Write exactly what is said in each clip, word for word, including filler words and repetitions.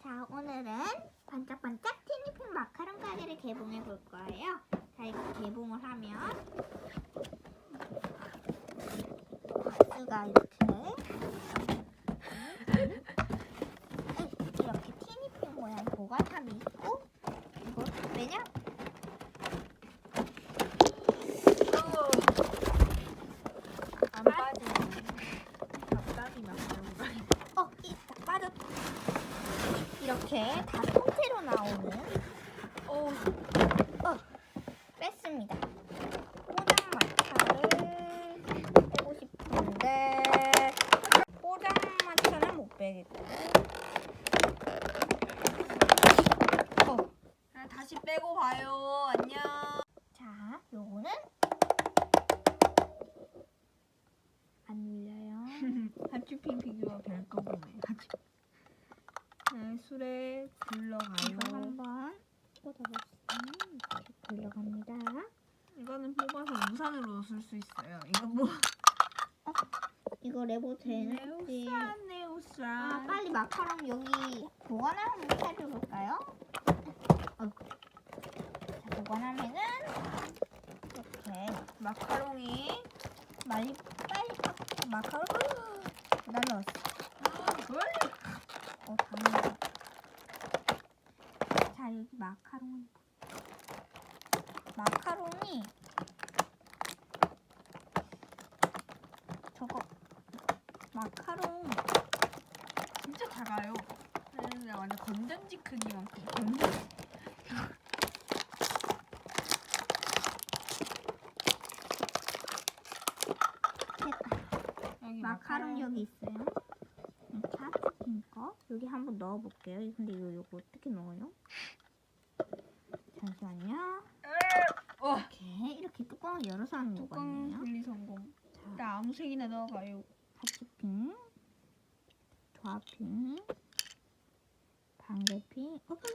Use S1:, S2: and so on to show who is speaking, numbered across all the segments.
S1: 자, 오늘은 반짝반짝 티니핑 마카롱 가게를 개봉해 볼 거예요. 자, 이거 개봉을 하면 박스가 이렇게 이렇게 티니핑 모양 보관함이 있고, 이거 왜냐?
S2: 안 빠지네. 갑자기 마카롱가.
S1: 어, 이 딱 빠졌다. 이렇게 다 통째로 나오는
S2: 오,
S1: 어, 뺐습니다. 포장마차를 빼고 싶은데 포장마차는 못 빼겠고. 어,
S2: 그냥 다시 빼고 봐요. 안녕.
S1: 자, 요거는 안 눌려요.
S2: 하츄핑 피규어 별 거구네. 하츄. 네, 술에
S1: 이거
S2: 굴러가요.
S1: 한번 꽂아보시면 이렇게 돌려갑니다.
S2: 이거는 뽑아서 우산으로 쓸 수 있어요. 이거 뭐?
S1: 이거 레버
S2: 네,
S1: 되는지.
S2: 우산, 네, 우산.
S1: 아, 빨리 마카롱 여기 보관을 한번 살펴볼까요? 어. 자, 보관하면은 이렇게
S2: 마카롱이.
S1: 빨리 빨리 팍 마카롱 날라왔어.
S2: 뭘?
S1: 어, 당연히. 자, 여기 마카롱. 마카롱이 저거 마카롱
S2: 진짜 작아요. 근데 완전 건전지 크기만큼. 건전지.
S1: 됐다.
S2: 여기
S1: 마카롱 여기 있어요. 이렇게 하트핑 거 여기 한번 넣어볼게요. 근데 이거 이거 어떻게 넣어요? 잠시만요.
S2: 어.
S1: 이렇게 이렇게 뚜껑을 열어서 하는 거가
S2: 뚜껑
S1: 있네요.
S2: 분리 성공.
S1: 자,
S2: 일단 아무 색이나 넣어봐요.
S1: 하트핑, 조합핑, 방울핑, 오픈,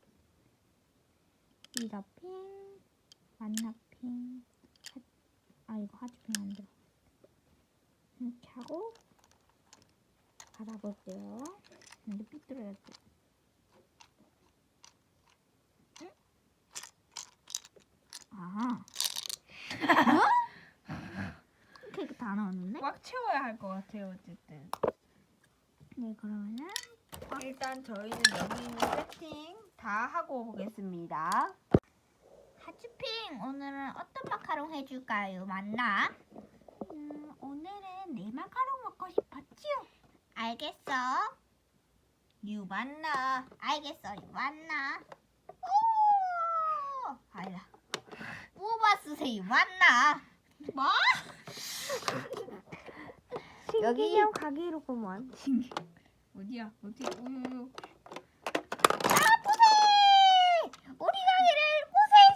S1: 미더핑, 만나핑. 하... 아 이거 하트핑 안 들어. 이렇게 하고 받아볼게요. 근데 삐뚤어졌지. 응? 아. 어? 이렇게 다 나왔는데?
S2: 꽉 채워야 할 것 같아요. 어쨌든.
S1: 네, 그러면은
S2: 일단 저희는 여기 있는 세팅 다 하고 보겠습니다.
S1: 하츄핑 오늘은 어떤 마카롱 해줄까요? 맞나? 음, 오늘은 내 마카롱 먹고 싶었지요. 알겠어. 유만나. 알겠어, 유만나. 오, 아니다. 뽑아쓰세요, 유만나. 뭐? 여기
S2: 가게로구만. 어디야? 어디? 우유유.
S1: 아프세! 우리 가게를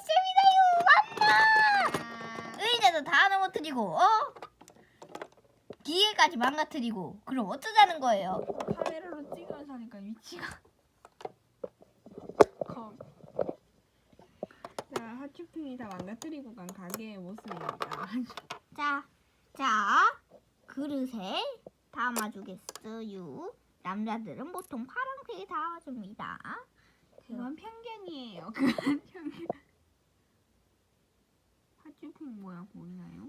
S1: 고생했습니다, 유만나. 의자도 다 넘어뜨리고, 어? 기계까지 망가뜨리고, 그럼 어쩌자는 거예요?
S2: 카메라로 찍으면서 하니까 위치가. 컴. 자, 하츄핑이 다 망가뜨리고 간 가게의 모습입니다.
S1: 자, 자, 그릇에 담아주겠어요. 남자들은 보통 파란색에 담아줍니다.
S2: 그건 편견이에요. 그건 편견. 하츄핑 모양 보이나요?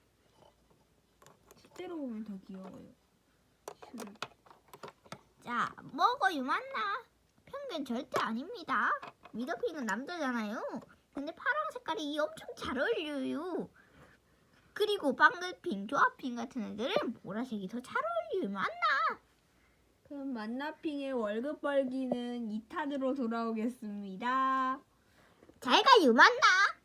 S2: 실제로 보면 더 귀여워요. 슈르.
S1: 자, 먹어 유만나. 편견 절대 아닙니다. 미더핑은 남자잖아요. 근데 파란 색깔이 엄청 잘 어울려요. 그리고 방글핑, 조합핑 같은 애들은 보라색이 더 잘 어울려요. 유만나.
S2: 그럼 만나핑의 월급 벌기는 이 탄으로 돌아오겠습니다.
S1: 잘 가 유만나.